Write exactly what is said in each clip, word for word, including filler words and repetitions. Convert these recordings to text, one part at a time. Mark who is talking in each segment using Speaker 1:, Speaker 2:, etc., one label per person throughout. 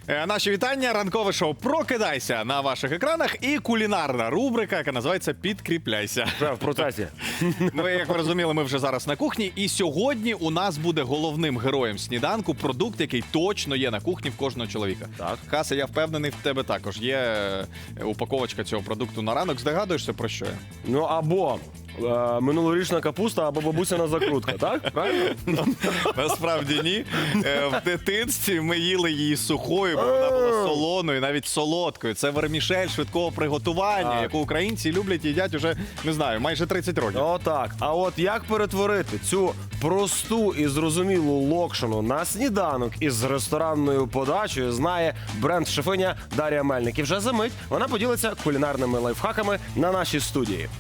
Speaker 1: Е, Наші вітання, ранкове шоу «Прокидайся» на ваших екранах і кулінарна рубрика, яка називається «Підкріпляйся».
Speaker 2: Вже в процесі.
Speaker 1: Ми, як ви розуміли, ми вже зараз на кухні, і сьогодні у нас буде головним героєм сніданку продукт, який точно є на кухні в кожного чоловіка.
Speaker 2: Так.
Speaker 1: Хаса, я впевнений, в тебе також є е, упаковочка цього продукту на ранок. Здогадуєшся, про що я?
Speaker 2: Ну або е, минулорічна капуста, або бабусина закрутка, так? Правильно?
Speaker 1: Насправді ні. Е, В дитинстві ми їли її сухою, бо вона була солоною, навіть солодкою. Це вермішель швидкого приготування,
Speaker 2: Так.
Speaker 1: яку українці люблять і їдять уже, не знаю, майже тридцять років.
Speaker 2: Отак. А от як перетворити цю просту і зрозумілу локшину на сніданок із ресторанною подачею, знає бренд-шефиня Дар'я Мельник. І вже за мить вона поділиться кулінарними лайфхаками на нашій студії.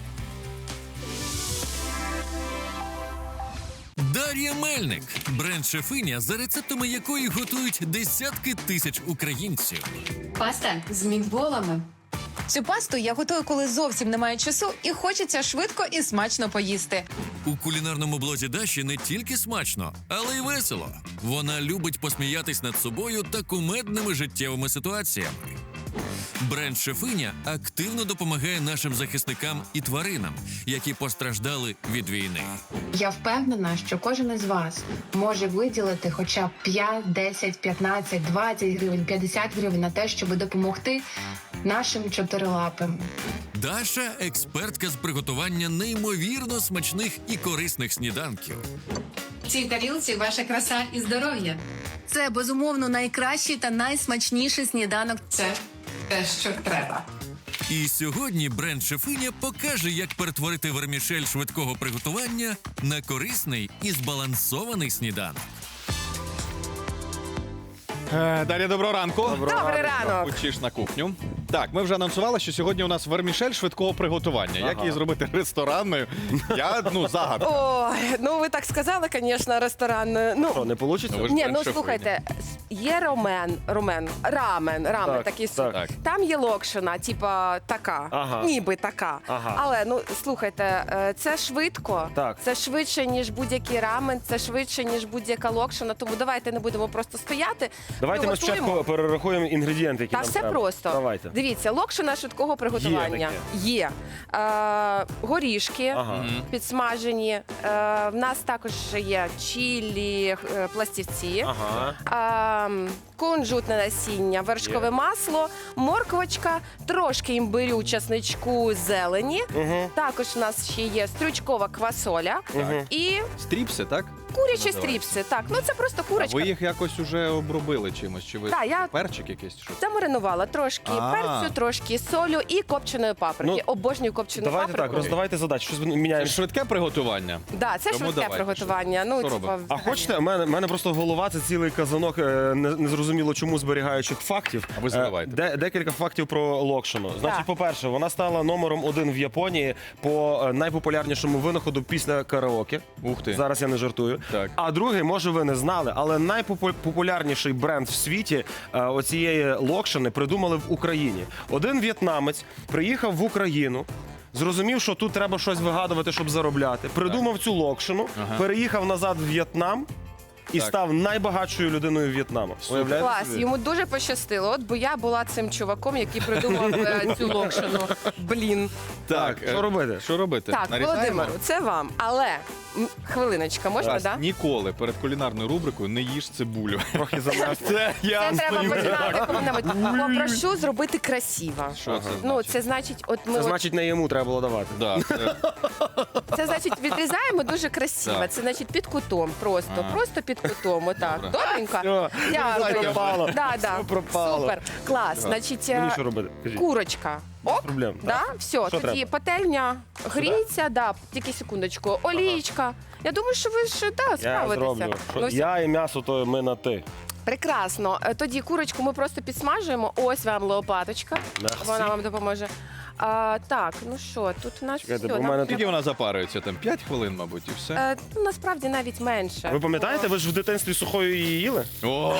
Speaker 3: Дар'я Мельник – бренд-шефиня, за рецептами якої готують десятки тисяч українців.
Speaker 4: Паста з мітболами.
Speaker 5: Цю пасту я готую, коли зовсім немає часу і хочеться швидко і смачно поїсти.
Speaker 3: У кулінарному блозі Даші не тільки смачно, але й весело. Вона любить посміятись над собою та кумедними життєвими ситуаціями. Бренд-шефиня активно допомагає нашим захисникам і тваринам, які постраждали від війни.
Speaker 4: Я впевнена, що кожен із вас може виділити хоча б п'ять, десять, п'ятнадцять, двадцять гривень, п'ятдесят гривень на те, щоб допомогти нашим чотирилапим.
Speaker 3: Даша – експертка з приготування неймовірно смачних і корисних сніданків.
Speaker 4: В цій тарілці ваша краса і здоров'я.
Speaker 5: Це, безумовно, найкращий та найсмачніший сніданок.
Speaker 4: Це те, що треба.
Speaker 3: І сьогодні бренд-шефиня покаже, як перетворити вермішель швидкого приготування на корисний і збалансований сніданок.
Speaker 1: Е, Дар'я, доброго ранку.
Speaker 5: Добрий ранок!
Speaker 1: Учиш на кухню. Так, ми вже анонсували, що сьогодні у нас вермішель швидкого приготування. Як її зробити ресторанною? Я, ну, загадка.
Speaker 6: Ой, ну ви так сказали, звісно, ресторанною.
Speaker 2: Що,
Speaker 6: Ну,
Speaker 2: не вийде?
Speaker 1: Ну, ви ж
Speaker 6: ні, ну
Speaker 1: бренд-шефиня.
Speaker 6: слухайте, є ромен, ромен, рамен, рамен
Speaker 2: Так,
Speaker 6: такий
Speaker 2: так.
Speaker 6: суп. Там є локшина, типа така,
Speaker 2: Ага.
Speaker 6: ніби така.
Speaker 2: Ага.
Speaker 6: Але ну слухайте, е, це швидко,
Speaker 2: Так.
Speaker 6: це швидше, ніж будь-який рамен, це швидше, ніж будь-яка локшина. Тому давайте не будемо просто стояти.
Speaker 2: Давайте ми
Speaker 6: приготуємо.
Speaker 2: спочатку перерахуємо інгредієнти, які
Speaker 6: Та
Speaker 2: нам
Speaker 6: все
Speaker 2: треба.
Speaker 6: просто.
Speaker 2: Давайте.
Speaker 6: Дивіться, локшина швидкого приготування.
Speaker 2: таке.
Speaker 6: Є. Е, горішки
Speaker 2: Ага.
Speaker 6: підсмажені. Е, в нас також є чилі, е, пластівці.
Speaker 2: Ага.
Speaker 6: Е, кунжутне насіння, вершкове
Speaker 2: Є.
Speaker 6: масло, морквочка, трошки імбирю, часничку, зелені.
Speaker 2: Угу.
Speaker 6: Також у нас ще є стручкова квасоля
Speaker 2: Мгм.
Speaker 6: і
Speaker 1: Стріпси, так?
Speaker 6: курячі
Speaker 1: Називається.
Speaker 6: стріпси. Так, ну це просто
Speaker 1: А
Speaker 6: курочка.
Speaker 1: ви їх якось уже обробили чимось? Чи ви
Speaker 6: Так, я-
Speaker 1: перчик якийсь? Що?
Speaker 6: Замаринувала трошки
Speaker 1: А.
Speaker 6: перцю, трошки солю і копченої паприки.
Speaker 2: Ну,
Speaker 6: Обожнюю копчену
Speaker 2: Давайте
Speaker 6: паприку.
Speaker 2: так, роздавайте задачі. Щось ми
Speaker 1: Це
Speaker 2: міняємо.
Speaker 1: швидке приготування.
Speaker 6: Да, це
Speaker 1: Тому
Speaker 6: швидке
Speaker 1: давайте,
Speaker 6: приготування.
Speaker 1: що-
Speaker 6: Ну,
Speaker 1: що
Speaker 6: типа,
Speaker 1: робимо?
Speaker 2: А
Speaker 6: взагалі.
Speaker 2: хочете, у мене, в мене просто голова, це цілий казанок е, не- незрозуміло чому зберігаючих фактів.
Speaker 1: А ви заливайте.
Speaker 2: Е, де- декілька фактів про локшину. Значить,
Speaker 6: Так.
Speaker 2: по-перше, вона стала номером один в Японії по е, найпопулярнішому винаходу після караоке.
Speaker 1: Ух ти.
Speaker 2: Зараз я не жартую.
Speaker 1: Так.
Speaker 2: А другий, може, ви не знали, але найпопулярніший бренд в світі е, оцієї локшини придумали в Україні. Один в'єтнамець приїхав в Україну. Зрозумів, що тут треба щось вигадувати, щоб заробляти. Придумав цю локшину,
Speaker 1: Ага.
Speaker 2: переїхав назад в В'єтнам і
Speaker 1: Так.
Speaker 2: став найбагатшою людиною В'єтнаму. Уявляєте
Speaker 6: Клас,
Speaker 2: собі?
Speaker 6: йому дуже пощастило. От бо я була цим чуваком, який придумав е, цю локшину. Блін.
Speaker 2: Так,
Speaker 1: е,
Speaker 2: що робити?
Speaker 1: Що робити?
Speaker 6: Так,
Speaker 1: Нарізаємо?
Speaker 6: Володимиру, це вам. Але м, хвилиночка, можна,
Speaker 1: Раз,
Speaker 6: так? Да?
Speaker 1: ніколи перед кулінарною рубрикою не їж цибулю.
Speaker 2: Трохи замерз.
Speaker 1: Це я
Speaker 6: Це треба
Speaker 1: стою.
Speaker 6: починати коли-небудь. Попрошу зробити красиво.
Speaker 1: Що це
Speaker 6: Ну,
Speaker 1: значить?
Speaker 6: це значить, от ми
Speaker 2: Це
Speaker 6: от,
Speaker 2: значить, не йому треба було давати.
Speaker 1: Да, це...
Speaker 6: це значить відрізаємо дуже красиво.
Speaker 1: Так.
Speaker 6: Це значить під кутом, просто,
Speaker 1: Ага.
Speaker 6: просто під кутом. Отак.
Speaker 1: Добре.
Speaker 6: Добренько.
Speaker 2: Все,
Speaker 6: Дякую.
Speaker 2: пропало.
Speaker 6: Да, да.
Speaker 2: Все пропало.
Speaker 6: Супер. Клас. Значить,
Speaker 2: Мені
Speaker 6: е,
Speaker 2: що робити? Кажіть.
Speaker 6: курочка. Ок.
Speaker 2: Проблем.
Speaker 6: Да? Все, тоді
Speaker 2: треба?
Speaker 6: пательня гріється, да, тільки секундочку. Олійка. Я думаю, що ви ж да,
Speaker 2: Я
Speaker 6: справитеся.
Speaker 2: зроблю. Що-
Speaker 6: Ну, все.
Speaker 2: Я і м'ясо, то ми на ти.
Speaker 6: Прекрасно. Е, Тоді курочку ми просто підсмажуємо. Ось вам лопаточка.
Speaker 2: Merci.
Speaker 6: Вона вам допоможе. А, так, ну що, тут у нас
Speaker 2: Чекайте,
Speaker 6: все.
Speaker 2: бо в
Speaker 6: нам
Speaker 2: мене
Speaker 1: Скільки
Speaker 6: треба-
Speaker 1: вона запарюється? Там п'ять хвилин, мабуть, і все.
Speaker 6: Е, ну, насправді навіть менше.
Speaker 2: Ви пам'ятаєте, ви ж в дитинстві сухою її їли?
Speaker 1: О!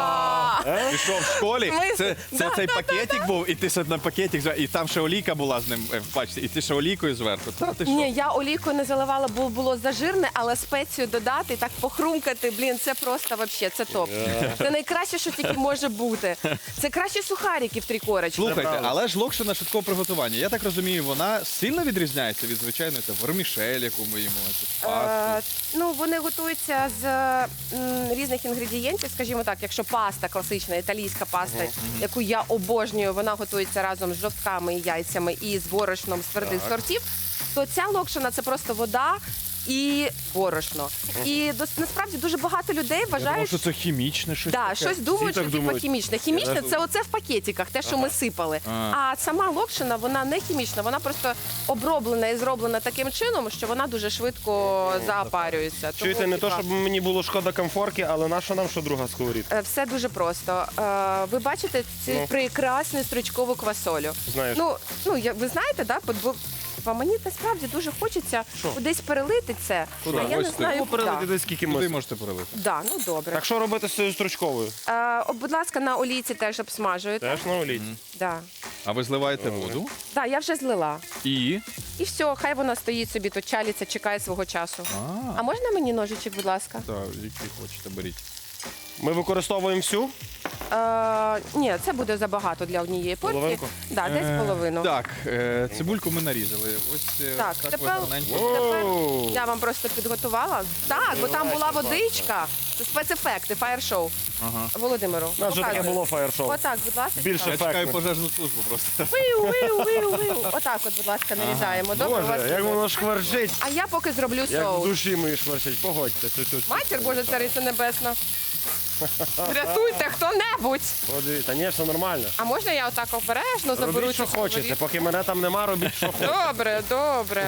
Speaker 1: Пішов в школі,
Speaker 6: Ми-
Speaker 1: це, це
Speaker 6: Да,
Speaker 1: цей
Speaker 6: да,
Speaker 1: пакетик був, і ти ще на пакетик, зв- і там ще олійка була з ним е, в пачці, і ти ще олійкою зверху. Та ти що?
Speaker 6: Ні, я олійкою не заливала, бо було зажирне, але спецію додати, так похрумкати, блін, це просто вообще, це топ. Це найкраще, що тільки може бути. Це краще сухарики в три корочки.
Speaker 1: Слухайте, але ж локшина швидкого приготування. Я так розумію, вона сильно відрізняється від звичайної це вермішель, яку ми їмо, чи
Speaker 6: Е,
Speaker 1: пасту.
Speaker 6: ну, вони готуються з м, різних інгредієнтів, скажімо так, якщо паста класична, італійська паста, яку я обожнюю, вона готується разом з жовтками і яйцями і з борошном з твердих сортів, то ця локшина це просто вода і борошно. І дос- насправді дуже багато людей
Speaker 1: Я думав,
Speaker 6: вважають,
Speaker 1: що це хімічне щось.
Speaker 6: Да,
Speaker 1: таке.
Speaker 6: щось думають,
Speaker 2: так
Speaker 6: що типу
Speaker 2: думають.
Speaker 6: хімічне. Хімічне
Speaker 2: Я
Speaker 6: це оце в пакетиках, те, що ми сипали.
Speaker 1: А.
Speaker 6: А сама локшина, вона не хімічна, вона просто оброблена і зроблена таким чином, що вона дуже швидко запарюється. Тому,
Speaker 2: Чуєте, не то,
Speaker 6: типа,
Speaker 2: щоб мені було шкода комфорки, але наша нам що друга сковорідка?
Speaker 6: е, все дуже просто. Е, Ви бачите цю
Speaker 2: Ну.
Speaker 6: прекрасну стручкову квасолю.
Speaker 2: Знаєш.
Speaker 6: Ну, ну я- ви знаєте, да? бо- бо- бо мені насправді дуже хочеться
Speaker 2: Що?
Speaker 6: кудись перелити це.
Speaker 1: Куди?
Speaker 6: А я
Speaker 1: Ось
Speaker 6: не
Speaker 1: ти.
Speaker 6: знаю,
Speaker 2: Ну, перелити
Speaker 6: куди.
Speaker 2: десь скільки
Speaker 1: Куди
Speaker 2: можна.
Speaker 1: можете перелити?
Speaker 6: Да, ну добре.
Speaker 2: Так що робити з цією стручковою?
Speaker 6: Е, о, будь ласка, на олійці теж обсмажуєте.
Speaker 2: Теж на олійці.
Speaker 6: Да.
Speaker 1: А ви зливаєте воду
Speaker 6: Да, я вже злила.
Speaker 1: і.
Speaker 6: І все, хай вона стоїть собі, тут чалиться, чекає свого часу.
Speaker 1: А,
Speaker 6: А можна мені ножичок, будь ласка?
Speaker 1: так, який хочете, беріть.
Speaker 2: Ми використовуємо всю.
Speaker 6: Е, ні, це буде забагато для однієї порції.
Speaker 2: Половинку?
Speaker 6: Да, десь
Speaker 1: Е,
Speaker 6: половину.
Speaker 1: Так, е, цибульку ми нарізали. Ось е,
Speaker 6: Так,
Speaker 1: так
Speaker 6: тепер-
Speaker 1: ви гарненько.
Speaker 6: Тепер
Speaker 2: Оу.
Speaker 6: я вам просто підготувала. Так, бо там була водичка. Це спецефекти, фаєр-шоу.
Speaker 1: Ага.
Speaker 6: Володимиру.
Speaker 2: У нас вже таке
Speaker 6: показуй.
Speaker 2: було фаєр-шоу.
Speaker 6: Отак, будь ласка.
Speaker 2: Більше
Speaker 1: Я чекаю
Speaker 2: ефектно.
Speaker 1: пожежну службу просто.
Speaker 6: Виу, виу, виу, виу. Отак от, будь ласка, нарізаємо. Добре, у вас
Speaker 2: Боже, як
Speaker 6: буде?
Speaker 2: воно шкварчить.
Speaker 6: А я поки зроблю
Speaker 2: Як в
Speaker 6: соус.
Speaker 2: душі мої шкварчить. Погодьте. Тут, тут.
Speaker 6: Матір Божа, цариця небесна. Врятуйте хто-небудь.
Speaker 2: Подивіться, ні, все нормально.
Speaker 6: А можна я отак обережно заберу
Speaker 2: Робіть, що
Speaker 6: цю
Speaker 2: хочете.
Speaker 6: сковорідку?
Speaker 2: Поки мене там нема, робіть, що хочете.
Speaker 6: Добре, добре.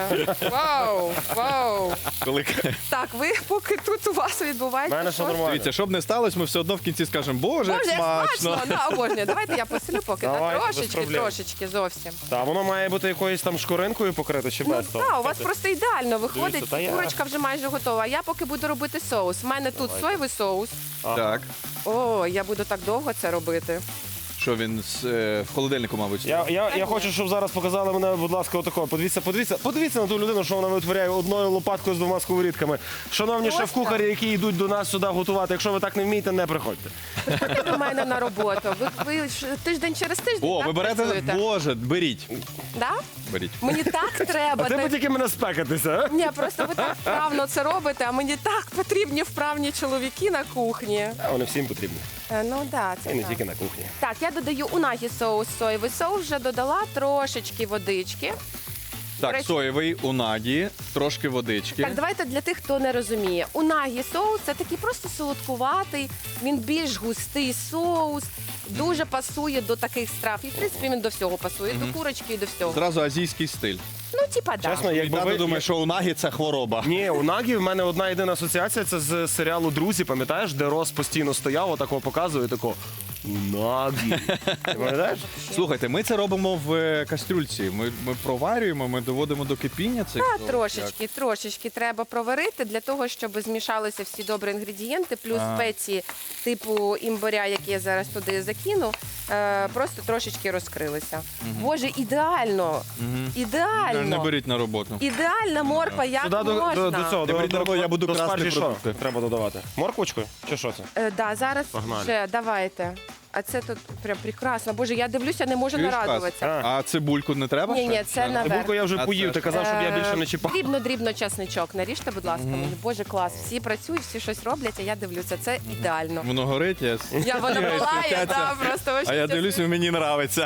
Speaker 6: Вау, вау.
Speaker 1: Коли...
Speaker 6: Так, ви поки тут у вас
Speaker 2: У
Speaker 6: відбувається.
Speaker 2: мене все
Speaker 6: щось?
Speaker 2: нормально.
Speaker 1: Дивіться, щоб не сталося, ми все одно в кінці скажемо, боже,
Speaker 6: Боже,
Speaker 1: як
Speaker 6: як
Speaker 1: смачно.
Speaker 6: смачно. Да, обожнюю. Давайте я посилю поки. Так,
Speaker 2: Давайте, без
Speaker 6: трошечки,
Speaker 2: проблем.
Speaker 6: трошечки зовсім.
Speaker 2: Та воно має бути якоюсь там шкуринкою покрите чи
Speaker 6: Ну
Speaker 2: без того.
Speaker 6: так, у вас просто ідеально виходить.
Speaker 2: Дивіться, та я-
Speaker 6: Курочка вже майже готова. А я поки буду робити соус. У мене тут соєвий соус.
Speaker 1: Так.
Speaker 6: О, я буду так довго це робити.
Speaker 1: Що він з, е, в холодильнику, мабуть.
Speaker 2: Я, я, я хочу, щоб зараз показали мене, будь ласка, отако. Подивіться, подивіться, подивіться на ту людину, що вона витворяє одною лопаткою з двома сковорідками. Шановні
Speaker 6: Ось
Speaker 2: шеф-кухарі, які йдуть до нас сюди готувати, якщо ви так не вмієте, не приходьте.
Speaker 6: Приходьте до мене на роботу. Ви, ви ж тиждень через тиждень
Speaker 1: О,
Speaker 6: так,
Speaker 1: ви берете,
Speaker 6: працюєте?
Speaker 1: боже, беріть.
Speaker 6: Да?
Speaker 1: Беріть.
Speaker 6: Мені так треба.
Speaker 2: А ти
Speaker 6: Та-
Speaker 2: б тільки мене спекатися, а?
Speaker 6: Ні, просто ви так вправно це робите, а мені так потрібні вправні чоловіки на кухні.
Speaker 2: А вони всім потрібні.
Speaker 6: Е, Ну да, це
Speaker 2: І не
Speaker 6: так.
Speaker 2: тільки на кухні.
Speaker 6: Так, я додаю унагі соус, соєвий соус, вже додала трошечки водички.
Speaker 1: Так,
Speaker 6: речі-
Speaker 1: соєвий, унагі, трошки водички.
Speaker 6: Так, давайте для тих, хто не розуміє. Унагі соус це такий просто солодкуватий, він більш густий соус, дуже пасує до таких страв. І в принципі він до всього пасує, до курочки і до всього.
Speaker 1: Зразу азійський стиль.
Speaker 6: Ну, типа, да.
Speaker 2: Чесно,
Speaker 1: І
Speaker 2: якби
Speaker 1: тато
Speaker 2: ви...
Speaker 1: думає, що унагі це хвороба.
Speaker 2: Ні, у Нагі в мене одна єдина асоціація, це з серіалу «Друзі», пам'ятаєш, де Рос постійно стояв, отакого показує, тако «Унагі». Ти пам'ятаєш?
Speaker 1: Слухайте, ми це робимо в е, кастрюльці. Ми, ми проварюємо, ми доводимо до кипіння цих
Speaker 6: Та,
Speaker 1: соус.
Speaker 6: трошечки, трошечки треба проварити для того, щоб змішалися всі добрі інгредієнти, плюс
Speaker 1: А.
Speaker 6: спеції типу імбиря, які я зараз туди закину, е, просто трошечки розкрилися. Боже, ідеально!
Speaker 1: Не,
Speaker 6: Ідеально!
Speaker 1: не беріть на роботу.
Speaker 6: Ідеальна морква, як
Speaker 2: Сюди до,
Speaker 6: можна?
Speaker 2: до, до цього,
Speaker 1: Не
Speaker 2: до,
Speaker 1: беріть
Speaker 2: до,
Speaker 1: на роботу, я буду
Speaker 2: до
Speaker 1: красти
Speaker 2: спаржі що
Speaker 1: продукти.
Speaker 2: треба додавати? Морквочку? Чи що це?
Speaker 6: Е, да, зараз
Speaker 2: Погнали.
Speaker 6: вже давайте. А це тут прям прекрасно. Боже, я дивлюся, не можу
Speaker 1: Чуєш,
Speaker 6: нарадуватися.
Speaker 2: Кас?
Speaker 1: А цибульку не треба?
Speaker 6: Ні,
Speaker 1: ще?
Speaker 6: ні, це наверх.
Speaker 2: Цибульку я вже
Speaker 1: А
Speaker 2: поїв,
Speaker 1: це
Speaker 2: ти
Speaker 1: ж-
Speaker 2: казав, щоб я більше не чіпав.
Speaker 6: Дрібно-дрібно часничок наріжте, будь ласка, мені. Боже, клас. Всі працюють, всі щось роблять, а я дивлюся. Це ідеально.
Speaker 1: Воно горить, я...
Speaker 6: Я вона
Speaker 1: Я
Speaker 6: палає,
Speaker 1: світяться.
Speaker 6: да, просто
Speaker 1: а я дивлюсь, мені нравиться.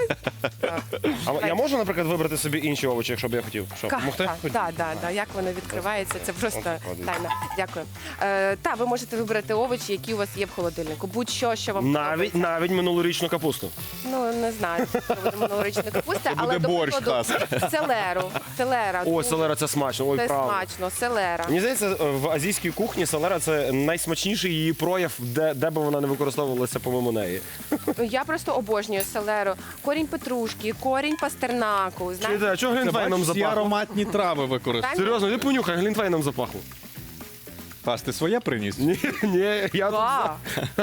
Speaker 2: А я можу, наприклад, вибрати собі інші овочі, якщо б я хотів? Що, допомогти?
Speaker 6: Так, так, так, да. Як воно відкривається, це просто
Speaker 2: Ось,
Speaker 6: тайна. Дякую. Е, та, ви можете вибрати овочі, які у вас є в холодильнику. Будь-що, що вам
Speaker 2: Навіть,
Speaker 6: дивіться.
Speaker 2: навіть минулорічну капусту.
Speaker 6: Ну, не знаю, що буде минулорічна капуста, але
Speaker 1: буде
Speaker 6: до
Speaker 1: борщ,
Speaker 6: прикладу, селеру. Селера.
Speaker 2: Ой,
Speaker 6: дуже-
Speaker 2: селера це смачно, ой,
Speaker 6: Це
Speaker 2: правда.
Speaker 6: смачно, селера.
Speaker 2: Мені здається, в азійській кухні селера це найсмачніший її прояв, де, де би вона не використовувалася помимо неї.
Speaker 6: Ну, я просто обожнюю селеру. Корінь петрушки, корінь пастернаку. Знаєте?
Speaker 2: Чуєте, а чого
Speaker 1: Це
Speaker 2: глінтвейном
Speaker 1: бачиш, всі
Speaker 2: запахло?
Speaker 1: ароматні трави використовують.
Speaker 2: Серйозно, ти понюхай, глінтвейном запахло.
Speaker 1: Паш, ти своє приніс?
Speaker 2: Ні, ні, я тут
Speaker 6: Ва!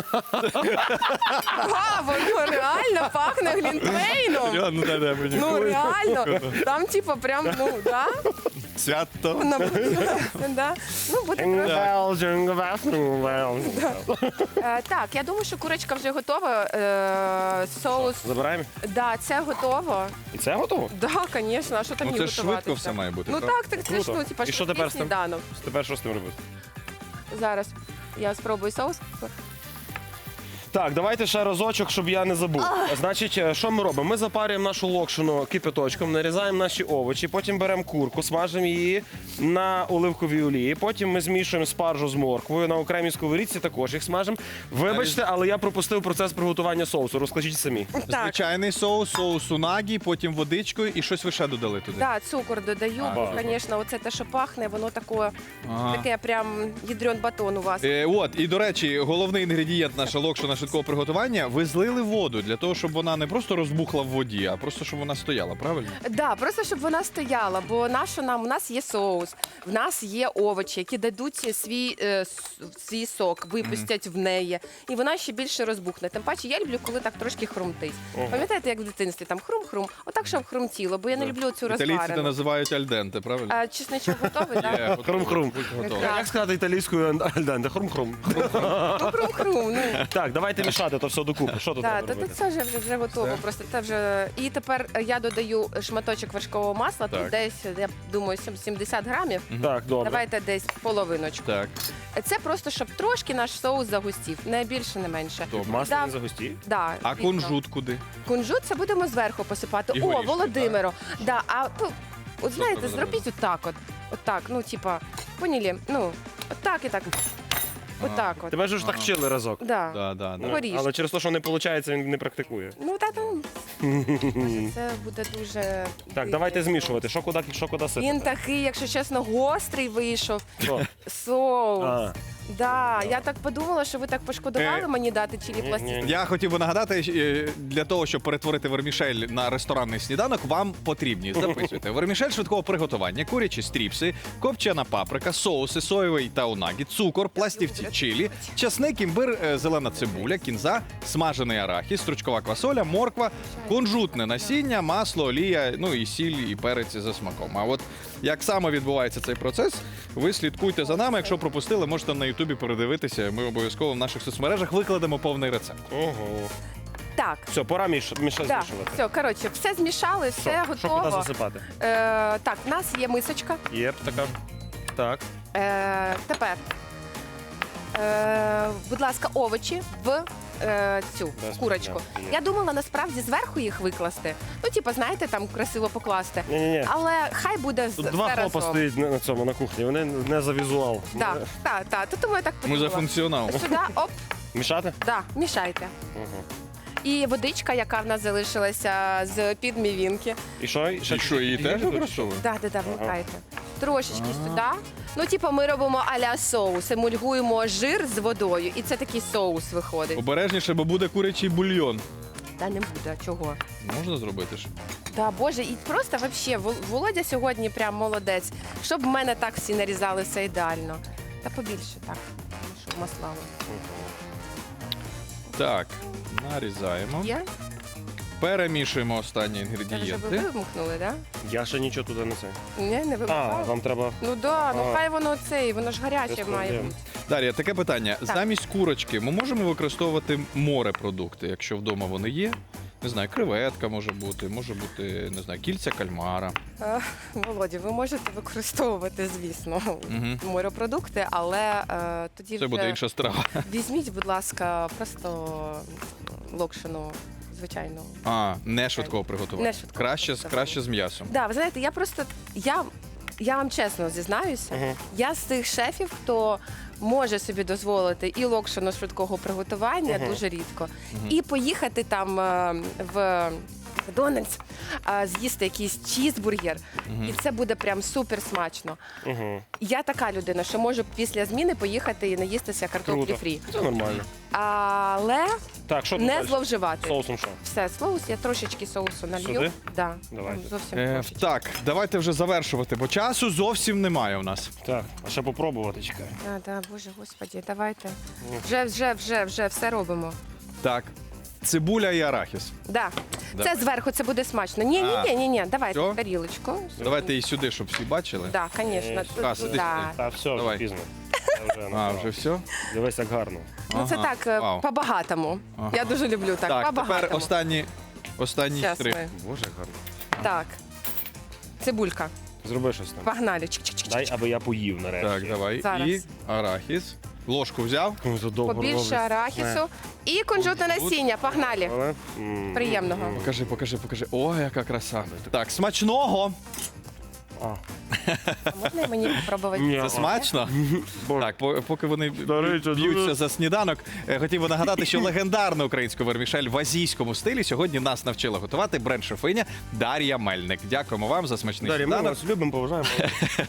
Speaker 6: Ва, воно реально пахне глінтвейном.
Speaker 1: Ну, да, да, мені.
Speaker 6: Ну реально. Там, типу, прям, ну, да?
Speaker 1: Свято.
Speaker 6: Да. Ну, буде просто.
Speaker 2: Jingle bells, jingle bells.
Speaker 6: Е, Так, я думаю, що курочка вже готова. Е, Соус.
Speaker 2: Забираємо.
Speaker 6: Да, це готово.
Speaker 2: І це готово?
Speaker 6: Да, звісно, а що там
Speaker 1: Ну,
Speaker 6: їй
Speaker 1: це ж
Speaker 6: готуватися?
Speaker 1: швидко все має бути,
Speaker 6: Ну
Speaker 1: правда?
Speaker 6: так, так це ж,
Speaker 2: Круто.
Speaker 6: ну, типа,
Speaker 2: І що
Speaker 6: швидкий
Speaker 2: тепер з тим?
Speaker 6: сніданок.
Speaker 2: Тепер що з тим робити?
Speaker 6: Зараз я спробую соус.
Speaker 2: Так, давайте ще разочок, щоб я не забув. Значить, е, що ми робимо? Ми запарюємо нашу локшину кипяточком, нарізаємо наші овочі, потім беремо курку, смажимо її на оливковій олії, потім ми змішуємо спаржу з морквою, на окремій сковорідці також їх смажимо. Вибачте, але я пропустив процес приготування соусу, розкажіть самі.
Speaker 6: Так,
Speaker 1: Звичайний соус, соус унагі, потім водичкою і щось ви ще додали туди.
Speaker 6: да, цукор додаю,
Speaker 1: А,
Speaker 6: бо,
Speaker 2: ага.
Speaker 6: звісно, оце те, що пахне, воно таке,
Speaker 1: Ага.
Speaker 6: таке прям ядрен батон у вас.
Speaker 1: Е, от, і до речі, головний інгредієнт наша локшина швидкого приготування. Ви злили воду для того, щоб вона не просто розбухла в воді, а просто щоб вона стояла, правильно?
Speaker 6: Да, просто щоб вона стояла, бо наша нам у нас є соус, в нас є овочі, які дадуть свій, е, с- свій сок, випустять в неї, і вона ще більше розбухне. Тим паче, я люблю, коли так трошки хрумтить. Пам'ятаєте, як в дитинстві там хрум-хрум, отак, щоб хрумтіло, бо я не люблю цю
Speaker 1: Італійці це
Speaker 6: розварену.
Speaker 1: називають альденте, правильно?
Speaker 6: А, чесничок готовий, так?
Speaker 1: Є, готово,
Speaker 2: Хрум-хрум.
Speaker 1: будь готовий.
Speaker 6: Так.
Speaker 2: Як сказати італійською альденте? Хрум-хрум.
Speaker 6: Ну, хрум-хрум, ну.
Speaker 2: Так, давайте мішати то все докупи. Що тут
Speaker 6: Так,
Speaker 2: треба
Speaker 6: то, то
Speaker 2: робити?
Speaker 6: це вже, вже, вже готово.
Speaker 1: Все?
Speaker 6: Просто це вже. І тепер я додаю шматочок вершкового масла,
Speaker 1: Так.
Speaker 6: тут десь, я думаю, сім- сімдесят грамів.
Speaker 2: Так, добре.
Speaker 6: Давайте десь половиночку.
Speaker 1: Так,
Speaker 6: Це просто, щоб трошки наш соус загустів, не більше, не менше.
Speaker 1: добре.
Speaker 2: Масло
Speaker 6: Да.
Speaker 2: не загусті?
Speaker 6: Да,
Speaker 1: А
Speaker 6: звісно.
Speaker 1: кунжут куди?
Speaker 6: Кунжут це будемо зверху посипати.
Speaker 1: І
Speaker 6: О,
Speaker 1: горішки,
Speaker 6: Володимиро. Да, а ну, от знаєте,
Speaker 1: треба
Speaker 6: зробіть отак от. Отак, ну, типа, поняли? Ну, отак і так. Отак от.
Speaker 2: Тебе ж ж так
Speaker 1: Ага.
Speaker 2: вчили разок.
Speaker 6: Да.
Speaker 1: Да, да, да.
Speaker 6: Ну, горішки.
Speaker 2: Але через те, що не виходить, він не практикує.
Speaker 6: Ну, та там. Це буде дуже.
Speaker 2: Так, давайте змішувати. Що куди, що куди сипати?
Speaker 6: Він такий, якщо чесно, гострий вийшов.
Speaker 2: Що?
Speaker 6: Соус.
Speaker 2: А,
Speaker 6: Да, я так подумала, що ви так пошкодували
Speaker 1: Е,
Speaker 6: мені дати чилі
Speaker 2: ні,
Speaker 6: пластик.
Speaker 2: ні.
Speaker 1: Я хотів би нагадати, е, для того, щоб перетворити вермішель на ресторанний сніданок, вам потрібні. Записуйте. Вермішель швидкого приготування, курячі стріпси, копчена паприка, соуси, соєвий та унагі, цукор, пластівці чилі, часник, імбир, е, зелена цибуля, кінза, смажений арахіс, стручкова квасоля, морква, кунжутне насіння, масло, олія, ну і сіль, і перець за смаком. А от як саме відбувається цей процес, ви слідкуйте за нами. Якщо пропустили, можете на Ютубі передивитися. Ми обов'язково в наших соцмережах викладемо повний рецепт.
Speaker 2: ого.
Speaker 6: Так.
Speaker 2: Все, пора міш, міша
Speaker 6: Да,
Speaker 2: змішувати.
Speaker 6: все, коротше, все змішали, все
Speaker 2: Що? Що куди
Speaker 6: готово.
Speaker 2: засипати?
Speaker 6: Е, так, в нас є мисочка.
Speaker 2: Є така. Так.
Speaker 6: Е, тепер, е, будь ласка, овочі в е, цю
Speaker 2: Без
Speaker 6: курочку.
Speaker 2: проблем. Є.
Speaker 6: Я думала насправді зверху їх викласти. Ну, типу, знаєте, там красиво покласти.
Speaker 2: Ні-ні-ні.
Speaker 6: Але хай буде з
Speaker 2: Тут два
Speaker 6: все
Speaker 2: хлопа
Speaker 6: разом.
Speaker 2: стоїть на на цьому на кухні. Вони не за візуал.
Speaker 6: Так, так, так. То тому я так
Speaker 1: Ми
Speaker 6: подумала.
Speaker 1: за функціонал.
Speaker 6: Сюди, оп,
Speaker 2: Мішати?
Speaker 6: да, мішайте.
Speaker 2: Угу.
Speaker 6: І водичка, яка в нас залишилася з під мівінки.
Speaker 2: І що?
Speaker 1: І що, її теж використовуємо?
Speaker 6: Да, да, да, вмикайте. Трошечки сюди. Ну, типу, ми робимо а-ля соус, емульгуємо жир з водою, і це такий соус виходить.
Speaker 1: Обережніше, бо буде курячий бульйон.
Speaker 6: Та не буде, чого?
Speaker 1: Можна зробити ж?
Speaker 6: Да, Боже, і просто вообще, Вол- Володя сьогодні прям молодець. Щоб в мене так всі нарізали все ідеально. Та побільше так, щоб маслало.
Speaker 1: Так, нарізаємо.
Speaker 6: Є?
Speaker 1: Перемішуємо останні
Speaker 6: Це вже ви
Speaker 1: інгредієнти.
Speaker 6: вимкнули, так?
Speaker 2: Я ще нічого туди не це.
Speaker 6: Да? Ні, не
Speaker 2: А,
Speaker 6: вимкнули?
Speaker 2: вам треба.
Speaker 6: Ну да, ну
Speaker 2: А.
Speaker 6: хай воно цей, воно ж гаряче
Speaker 2: Без
Speaker 6: має
Speaker 2: проблем.
Speaker 6: бути.
Speaker 1: Дар'я, таке питання.
Speaker 6: Так.
Speaker 1: Замість курочки ми можемо використовувати морепродукти, якщо вдома вони є? Не знаю, креветка може бути, може бути, не знаю, кільця кальмара.
Speaker 6: Е, Володя, ви можете використовувати, звісно,
Speaker 1: Мгм.
Speaker 6: морепродукти, але е, тоді
Speaker 1: Це
Speaker 6: вже
Speaker 1: буде інша страва.
Speaker 6: візьміть, будь ласка, просто локшину, звичайну.
Speaker 1: А, не швидкого приготування.
Speaker 6: Не швидкого
Speaker 1: Краще, з-
Speaker 6: приготування.
Speaker 1: краще з м'ясом.
Speaker 6: Да, ви знаєте, я просто я, я вам чесно зізнаюся,
Speaker 2: Мгм.
Speaker 6: я з тих шефів, хто може собі дозволити і локшину швидкого приготування, дуже рідко, і поїхати там е, в Макдональдс, е, з'їсти якийсь чізбургер, і це буде прям супер смачно.
Speaker 2: Угу.
Speaker 6: Я така людина, що можу після зміни поїхати і наїстися картоплі
Speaker 2: Круто.
Speaker 6: фрі.
Speaker 2: Це нормально.
Speaker 6: Але
Speaker 2: Так, що тут
Speaker 6: не
Speaker 2: далі?
Speaker 6: зловживати.
Speaker 2: Соусом що?
Speaker 6: Все, соус, я трошечки соусу налью.
Speaker 2: Сюди?
Speaker 6: Да.
Speaker 2: Давайте.
Speaker 6: Зовсім
Speaker 1: Е,
Speaker 6: трошечки.
Speaker 1: так, давайте вже завершувати, бо часу зовсім немає у нас.
Speaker 2: Так, а ще попробувати, чекай.
Speaker 6: Да, да, боже, господі, давайте. Вже, вже, вже, вже все робимо.
Speaker 1: Так, цибуля і арахіс.
Speaker 6: Да.
Speaker 1: Давай.
Speaker 6: Це зверху, це буде смачно. Ні, ні,
Speaker 1: А.
Speaker 6: ні, ні, ні. Давайте
Speaker 1: Всьо?
Speaker 6: тарілочку.
Speaker 1: Давайте і сюди, щоб всі бачили.
Speaker 6: Да, звісно.
Speaker 1: А, сиди
Speaker 6: Да.
Speaker 2: Та все, вже
Speaker 1: Давай.
Speaker 2: пізно. Я вже
Speaker 1: А,
Speaker 2: набрав.
Speaker 1: вже все?
Speaker 2: Дивись, як гарно.
Speaker 6: Ну це
Speaker 1: Ага.
Speaker 6: так, е,
Speaker 1: Вау.
Speaker 6: по-багатому.
Speaker 1: Ага.
Speaker 6: Я дуже люблю так,
Speaker 1: Так,
Speaker 6: по-багатому.
Speaker 1: тепер останні, останній
Speaker 6: Щас
Speaker 1: штрих.
Speaker 6: ми.
Speaker 2: Боже, як гарно.
Speaker 6: Так. Цибулька.
Speaker 2: Зроби щось там.
Speaker 6: Погнали. Чик-чик-чик.
Speaker 2: Дай, аби я поїв нарешті.
Speaker 1: Так, давай.
Speaker 6: Зараз.
Speaker 1: І арахіс. Ложку взяв.
Speaker 2: Ой, задовго
Speaker 6: Побільше
Speaker 2: робиться.
Speaker 6: арахісу. І кунжутне насіння. Погнали.
Speaker 2: Але, м,
Speaker 6: Приємного.
Speaker 1: Покажи, покажи, покажи. Ой, яка краса. Так, смачного.
Speaker 2: А.
Speaker 6: А можна і мені спробувати?
Speaker 2: Ні.
Speaker 1: Це
Speaker 2: Ага.
Speaker 1: смачно?
Speaker 2: Боже.
Speaker 1: Так, по- поки вони
Speaker 2: речі,
Speaker 1: б'ються
Speaker 2: дуже-
Speaker 1: за сніданок, е, хотів би нагадати, що легендарну українську вермішель в азійському стилі сьогодні нас навчила готувати бренд-шефиня Дар'я Мельник. Дякуємо вам за смачний
Speaker 2: Дар'я, ми
Speaker 1: сніданок.
Speaker 2: вас любимо, поважаємо.